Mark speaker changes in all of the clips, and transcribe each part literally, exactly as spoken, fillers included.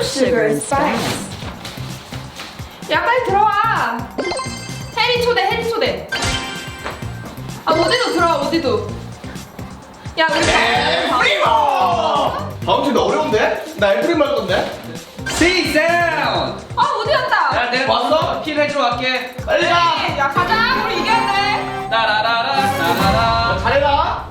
Speaker 1: sugar and spice.
Speaker 2: 야 빨리 들어와. 해리 초대 해리 초대. 아 어디도 들어와 어디도. 야 우리
Speaker 3: 프리모! 다음 주가 어려운데? 나 엘프림 할 건데?
Speaker 4: 시사운.
Speaker 2: 아 어디 갔다.
Speaker 4: 야 내가
Speaker 3: 왔어?
Speaker 4: 킬 해줘 갈게.
Speaker 3: 빨리 가!
Speaker 2: 네, 야 가자 우리 이겨야 돼.
Speaker 4: 따라라라 따라라.
Speaker 3: 잘해라!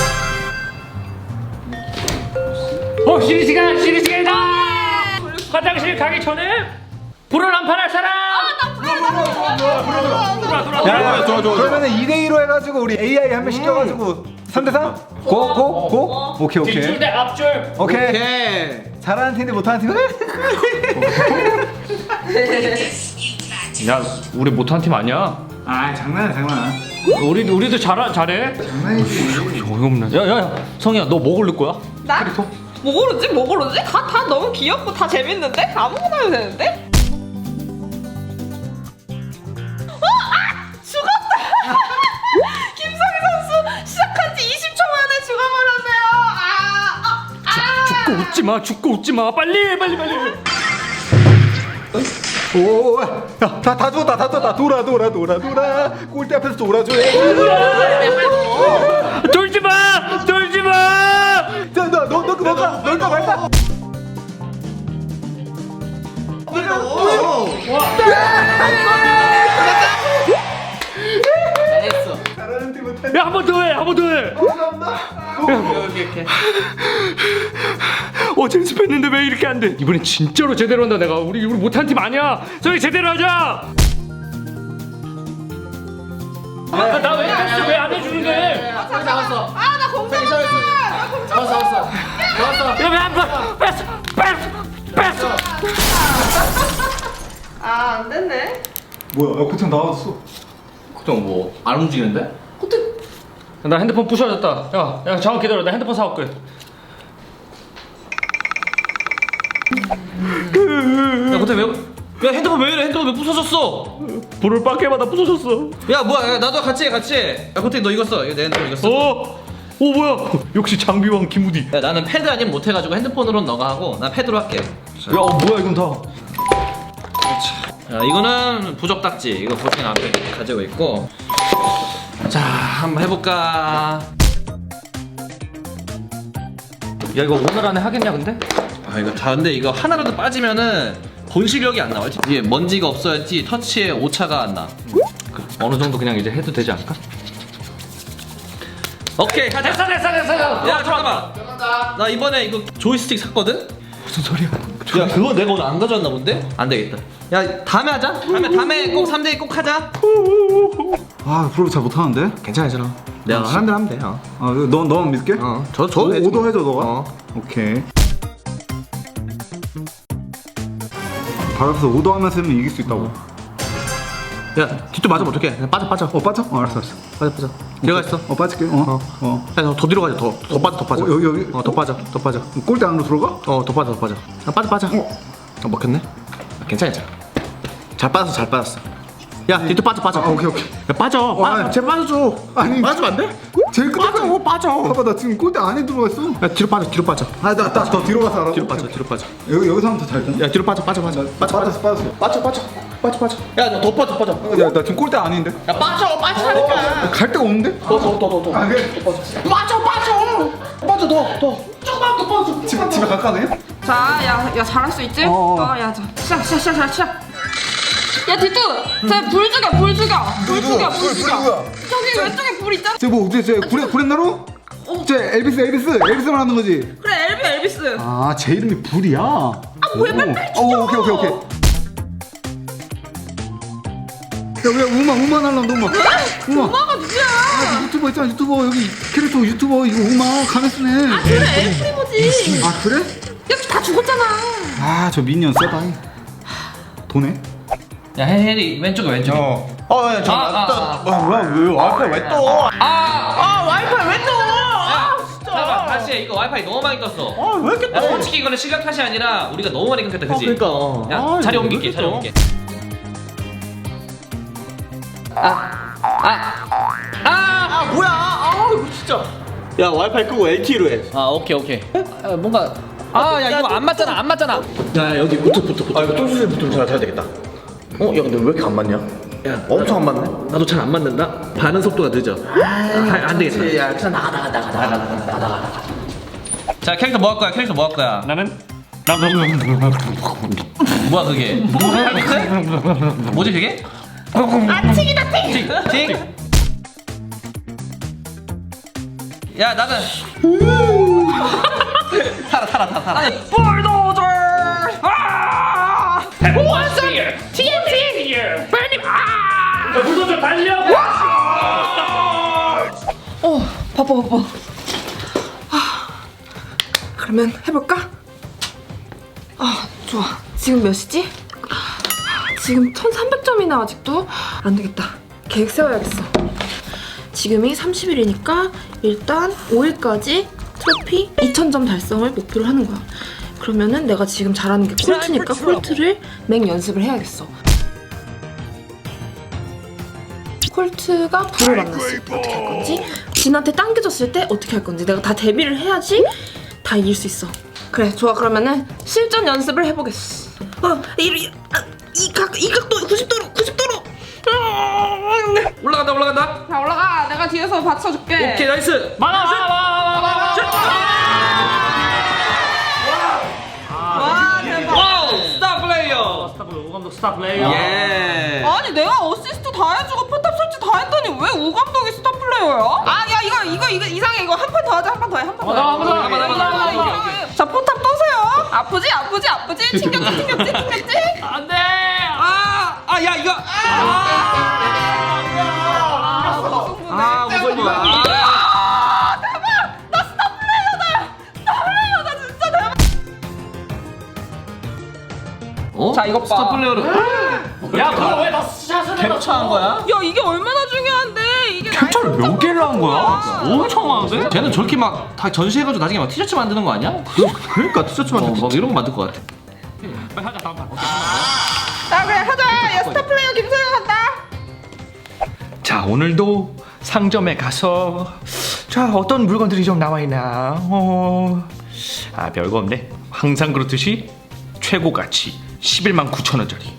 Speaker 5: 어 쉬는 시간 쉬는 시간이다. 화장실 가기 전에 불을 안 팔할 사람.
Speaker 2: 아나 불러 나 불러.
Speaker 5: 돌아 돌아
Speaker 6: 야,
Speaker 5: 돌아.
Speaker 6: 그러면은 이 대 이로 해가지고 우리 에이아이 한 명 시켜가지고 삼 대 삼? 고? 고? 고? 오케이
Speaker 5: 뒷줄
Speaker 6: 오케이
Speaker 5: 대 앞줄.
Speaker 6: 오케이
Speaker 3: 오케이!
Speaker 6: 잘하는 팀인데 못하는 팀은?
Speaker 5: 야 우리 못한 팀 아니야.
Speaker 6: 아 장난이야 장난
Speaker 5: 우리 우리도 잘 잘해.
Speaker 6: 장난이지
Speaker 5: 어이없네. 야야야 성희야 너 뭐 고를 거야?
Speaker 2: 나? 뭐 고르지? 뭐 고르지? 다, 다 너무 귀엽고 다 재밌는데? 아무거나 해도 되는데? 어? 아! 죽었다! 김성희 선수 시작한 지 이십 초 만에 죽어버렸네요. 아! 아! 아!
Speaker 5: 죽고 웃지 마. 죽고 웃지 마. 빨리 빨리 빨리.
Speaker 6: 오야다 다 죽었다 다 죽었다 돌아 돌아 돌아 돌아 골대 앞에서 돌아줘
Speaker 5: 돌지 마. 돌지 마.
Speaker 6: 자너너 너 너가 너가 말다
Speaker 4: 잘했어.
Speaker 6: 잘하는 팀은
Speaker 5: 야 한 번 더 해. 한 번 더 해.
Speaker 4: 이렇게 이렇게.
Speaker 5: 어제 연습했는데 왜 이렇게 안 돼? 이번엔 진짜로 제대로 한다 내가. 우리 우리 못한 팀 아니야. 저희 제대로 하자. 나 왜 패스 왜안 해주는데?
Speaker 4: 잡았어.
Speaker 2: 아, 나 공장 왔다! 나 공장
Speaker 4: 잡았어 잡았어. 잡았어.
Speaker 5: 야왜안 봐? 패스 패스 패스.
Speaker 2: 아, 안 됐네.
Speaker 6: 뭐야 야 고창 나왔어
Speaker 3: 그럼 뭐, 안 움직이는데?
Speaker 5: 나 핸드폰 부셔졌다. 야, 야 잠깐 기다려. 나 핸드폰 사올게.
Speaker 4: 야 고태 왜? 야 핸드폰 왜 이래? 핸드폰 왜 부서졌어?
Speaker 5: 불을 밖에마다 부서졌어.
Speaker 4: 야 뭐야? 야, 나도 같이 해 같이 해. 야 고태 너 이거 써. 이거 내 핸드폰 이거 써.
Speaker 5: 어? 오 뭐야? 역시 장비왕 김우디.
Speaker 4: 야 나는 패드 아니면 못해가지고 핸드폰으로는 너가 하고 나 패드로 할게.
Speaker 6: 야 어, 뭐야 이건 다
Speaker 4: 야 이거는 부적 딱지. 이거 고태 앞에 가지고 있고. 자 한번 해볼까?
Speaker 5: 야 이거 오늘 안에 하겠냐 근데?
Speaker 4: 아 이거 다 근데 이거 하나라도 빠지면은 본 실력이 안 나와. 이게 먼지가 없어야지 터치에 오차가 안 나.
Speaker 5: 어느 정도 그냥 이제 해도 되지 않을까?
Speaker 4: 오케이 가자.
Speaker 5: 됐어 됐어 됐어.
Speaker 4: 야 잠깐만. 나 이번에 이거 조이스틱 샀거든?
Speaker 5: 무슨 소리야?
Speaker 4: 야 그거 내가 오늘 안 가져왔나 본데? 안 되겠다. 야 다음에 하자. 다음에 다음에 꼭 삼 대 이 꼭 하자.
Speaker 6: 아 프로 잘 못하는데?
Speaker 4: 괜찮아 괜찮아. 내가 하는 대로 하면 돼. 어.
Speaker 6: 아너 너만 믿을게?
Speaker 4: 어. 저 저
Speaker 6: 오, 오도 해줘 너가?
Speaker 4: 어.
Speaker 6: 오케이 바로 앞에서 오도 하면서 하면 이길 수 있다고
Speaker 4: 야 뒤쪽 맞으면 어떡해? 그냥 빠져 빠져.
Speaker 6: 어 빠져? 어 알았어 알았어
Speaker 4: 빠져 빠져. 들어가 있어.
Speaker 6: 어 빠질게 어 어.
Speaker 4: 야, 더 뒤로 가자. 더, 더 빠져, 더 빠져.
Speaker 6: 어, 여기, 여기?
Speaker 4: 어, 더 빠져, 더 빠져.
Speaker 6: 골대 안으로 들어가?
Speaker 4: 어, 더 빠져, 더 빠져. 아, 빠져, 빠져. 어, 먹혔네. 아, 괜찮아, 괜찮아. 잘 빠졌어, 잘 빠졌어. 야, 뒤로 빠져, 빠져.
Speaker 6: 아, 오케이 오케이
Speaker 4: 야, 빠져.
Speaker 6: 어,
Speaker 4: 빠,
Speaker 6: 아니.
Speaker 4: 쟤 빠져줘.
Speaker 6: 아니
Speaker 4: 빠지면 안 돼?
Speaker 6: 제일 끝에
Speaker 4: 빠져, 빠져.
Speaker 6: 봐봐 나 지금 골대 안에 들어가 있어
Speaker 4: 야, 뒤로 빠져, 뒤로 빠져.
Speaker 6: 아나나더 뒤로 가서 알아
Speaker 4: 뒤로 빠져, 뒤로 빠져.
Speaker 6: 여기 여기서 하면 더 잘 되나?
Speaker 4: 야, 뒤로 빠져, 빠져, 빠져. 빠져,
Speaker 6: 빠졌어 빠졌어
Speaker 4: 빠져, 빠져. 빠져, 빠져. 야, 너 더 빠져, 빠져.
Speaker 6: 야나 지금 골대 안인데
Speaker 4: 야, 빠져, 빠지라니까.
Speaker 6: 갈 데가 없는데?
Speaker 4: 더, 더, 더, 더, 더.
Speaker 6: 아 그래
Speaker 4: 빠져, 빠져. 빠져, 더, 더. 조금만 더 빠져.
Speaker 6: 집에 집에 갈까 그냥?
Speaker 2: 자, 야, 야 잘할 수 있지?
Speaker 6: 어, 어.
Speaker 2: 어, 야, 자, 시작, 시작, 시작, 시작, 시작. 야, 디뚜, 쟤불 죽여, 불 죽여, 불 죽여, 불 죽여. 저기 왼쪽에 불 있잖아.
Speaker 6: 쟤뭐 어째 쟤 구레 구레나루? 쟤 엘비스 엘비스 엘비스만 하는 거지?
Speaker 2: 그래, 엘비, 엘비스.
Speaker 6: 아 제 이름이 불이야 아
Speaker 2: 뭐야, 빨리 빨리
Speaker 6: 어 오케이 오케이 오케이 야왜 우마 우마 날란다 우마 우마
Speaker 2: 엄마가 누구야?
Speaker 6: 아, 유튜버 있잖아 유튜버 여기 캐릭터 유튜버 이거 우마 가메스네
Speaker 2: 아, 그래, 엘프리모지.
Speaker 6: 아 그래?
Speaker 2: 여기 다 죽었잖아.
Speaker 6: 아 저 미니언 세다 도네?
Speaker 4: 야, 해리, 왼쪽에, 왼쪽에.
Speaker 3: 어. 어, 야, 저,
Speaker 4: 아, 아,
Speaker 3: 또,
Speaker 4: 아.
Speaker 3: 뭐, 뭐야, 왜 와이파이 왜 떠?
Speaker 4: 아,
Speaker 3: 아, 와이파이 왜 떠? 아, 진짜.
Speaker 4: 잠깐만, 다시 해. 이거 와이파이 너무 많이 떴어.
Speaker 3: 아, 왜 이렇게
Speaker 4: 야,
Speaker 3: 떠?
Speaker 4: 솔직히 이거는 실력 탓이 아니라 우리가 너무 많이 끊겼다, 그지?
Speaker 3: 그러니까.
Speaker 4: 야,
Speaker 3: 아,
Speaker 4: 자리
Speaker 3: 이거
Speaker 4: 옮길게,
Speaker 3: 왜
Speaker 4: 자리
Speaker 3: 이렇게
Speaker 4: 옮길게. 아, 아, 아,
Speaker 3: 아, 뭐야? 아, 이거 진짜. 야, 와이파이 끄고 엘티이로 해.
Speaker 4: 아, 오케이, 오케이. 아, 뭔가
Speaker 5: 아, 야, 이거 안 맞잖아, 안 맞잖아.
Speaker 4: 야 여기 붙어 붙어 붙어.
Speaker 3: 아 이거 똥수술 붙으면 잘 돼야 되겠다. 어? 야 근데 왜 이렇게 안 맞냐?
Speaker 4: 야
Speaker 3: 엄청 안 맞네.
Speaker 4: 나도 잘 안 맞는다. 반응 속도가 늦어. 아, 안 되겠다.
Speaker 3: 야 그냥 나가 나가 나가 나가 나가 나가.
Speaker 1: 자 캐릭터 뭐 할 거야? 캐릭터 뭐 할 거야?
Speaker 5: 나는 나
Speaker 1: 뭐야 그게? 뭐지 그게?
Speaker 2: 아 튀기다 튀기.
Speaker 1: 틱? 야 나는 타라 타라 타라 타라.
Speaker 5: 볼도저. 아!
Speaker 2: 원선 티엔티. 빨리 아.
Speaker 5: 야, 불도저 달려.
Speaker 2: 어 바빠 바빠. 아, 그러면 해볼까? 아 좋아. 지금 몇 시지? 지금 천삼백 점이나 아직도 안 되겠다. 계획 세워야겠어. 지금이 삼십 일이니까 일단 오 일까지 트로피 이천 점 달성을 목표로 하는 거야. 그러면은 내가 지금 잘하는 게 콜트니까 콜트를 맹 연습을 해야겠어. 콜트가 불을 만났을 때 어떻게 할 건지, 진한테 당겨졌을 때 어떻게 할 건지 내가 다 대비를 해야지 다 이길 수 있어. 그래 좋아. 그러면은 실전 연습을 해보겠어. 어, 이, 아, 이, 각, 이 각도 구십 도로 구십 도로.
Speaker 1: 올라간다 올라간다.
Speaker 2: 자 올라가. 내가 뒤에서 받쳐줄게.
Speaker 1: 오케이 나이스.
Speaker 5: 많아, 많아, 많아, 많아.
Speaker 2: 와 대박.
Speaker 1: 와우 스타 플레이어.
Speaker 5: 스타 플레이어, 오감독 스타 플레이어.
Speaker 1: 예.
Speaker 2: 아니 내가 어시스트 다 해주고 포탑 설치 다 했더니 왜 우 감독이 스타 플레이어야? 아 야 이거 이거 이거 이상해. 이거 한 판 더 하자. 한 판 더 해. 한 판 더 해.
Speaker 5: 한 번 더, 한 번 더, 한 번 더, 한 번 더.
Speaker 2: 이거, 이거, 이거. 자 포탑 떠세요. 아프지 아프지 아프지. 튕겼지 튕겼지 튕겼지.
Speaker 5: 안 돼.
Speaker 1: 아, 아, 야 이거. 아, 무슨 거야?
Speaker 2: 아 대박. 나 스타 플레이어다. 스타 플레이어다 진짜 대박.
Speaker 1: 어?
Speaker 2: 자, 이것 봐.
Speaker 1: 스타 플레이어를
Speaker 5: 야, 그거 왜다 샷을 해?
Speaker 1: 캡처한 거야?
Speaker 2: 야 이게 얼마나 중요한데 이게.
Speaker 5: 캡처를 몇 개를 한 거야? 엄청 많은데?
Speaker 1: 쟤는 저렇게 막 다 전시해가지고 나중에 막 티셔츠 만드는 거 아니야?
Speaker 3: 그러니까 티셔츠
Speaker 1: 어,
Speaker 3: 만들
Speaker 1: 막 이런 거 만들 것 같아.
Speaker 5: 빨리 하자, 다음 판.
Speaker 2: 자 그래 하자. 야 스타 플레이어 김소영 간다.
Speaker 6: 자 오늘도 상점에 가서 자 어떤 물건들이 좀 나와 있나. 어... 아 별거 없네. 항상 그렇듯이 최고 가치 십일만 구천 원짜리.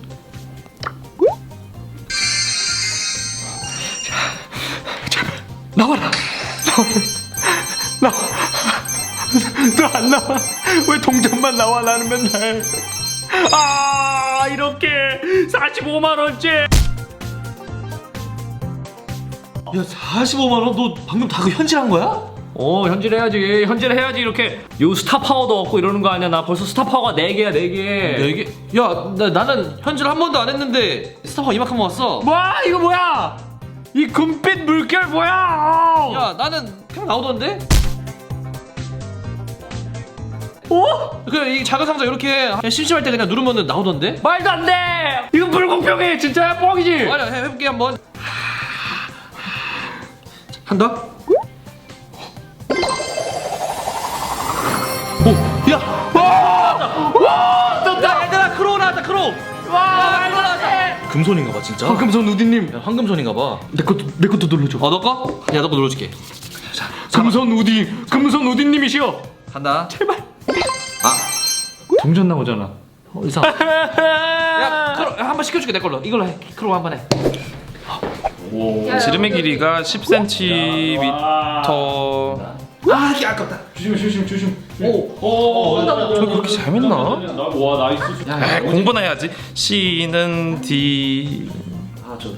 Speaker 6: 자, 제발 나와라. 나와. 너 안 나와. 왜 동전만 나와 나는 맨날.
Speaker 5: 아, 이렇게 사십오만 원째.
Speaker 1: 야 사십오만 원? 너 방금 다 그 현질한 거야?
Speaker 5: 어, 현질해야지. 현질해야지. 이렇게 요 스타 파워도 얻고 이러는 거 아니야? 나 벌써 스타 파워가 네 개야, 네 개.
Speaker 1: 네 개? 야 나, 나는 현질 한 번도 안 했는데 스타파 이만큼 모았어.
Speaker 5: 뭐야? 이거 뭐야? 이 금빛 물결 뭐야?
Speaker 1: 야 나는 그냥 나오던데?
Speaker 5: 어?
Speaker 1: 그래 이 작은 상자 이렇게 그냥 심심할 때 그냥 누르면 나오던데?
Speaker 5: 말도 안 돼. 이거 불공평해. 진짜야, 뻥이지.
Speaker 1: 아니 해- 해볼게 한번. 한다? 오! 야! 와! 와! 떴다! 얘들아 크로우 나왔다 크로우!
Speaker 5: 와, 말도 안 돼.
Speaker 1: 금손인가 봐 진짜.
Speaker 6: 황금손 우디님
Speaker 1: 야, 황금손인가 봐.
Speaker 6: 내 것도 내 것도 눌러줘.
Speaker 1: 어 너 거? 야 너 거 눌러줄게.
Speaker 6: 금손 우디 금손 우디님이시여.
Speaker 1: 간다.
Speaker 6: 제발.
Speaker 1: 아.
Speaker 6: 동전 나오잖아.
Speaker 1: 어, 이상. 야 크로우 야, 한번 시켜줄게 내 걸로. 이걸로 해. 크로우 한 번 해.
Speaker 7: 지름의 길이가 십 센티미터.
Speaker 1: 아 이게 아깝다.
Speaker 6: 조심 조심 조심.
Speaker 7: 저 그렇게 재밌나?
Speaker 5: 와, 나이스.
Speaker 7: 아, 공부나 해야지. C는 D.
Speaker 1: 아저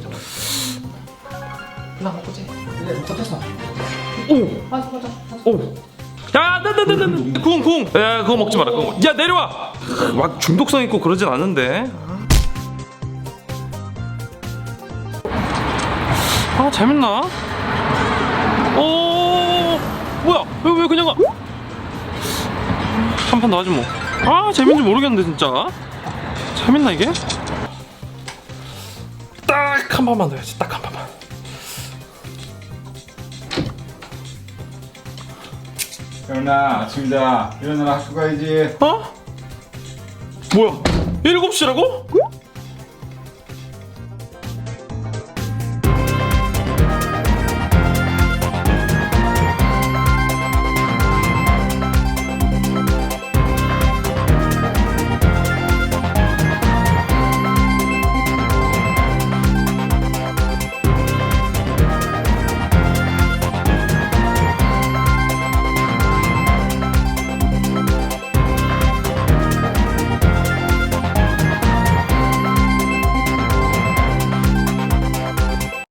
Speaker 7: 야, 나나나나 궁 궁. 야, 그거 먹지 마라. 그거. 먹- 야, 내려와. 막 중독성 있고 그러진 않은데. 아, 재밌나? 오, 뭐야? 왜 왜 그냥 가? 한 판 더 하지 뭐. 아, 재밌는지 모르겠는데 진짜. 재밌나 이게? 딱 한 판만 더 해야지. 딱 한 판만.
Speaker 8: 태훈아 아침이다. 일어나라 학교 가야지.
Speaker 7: 어? 뭐야? 일곱 시라고?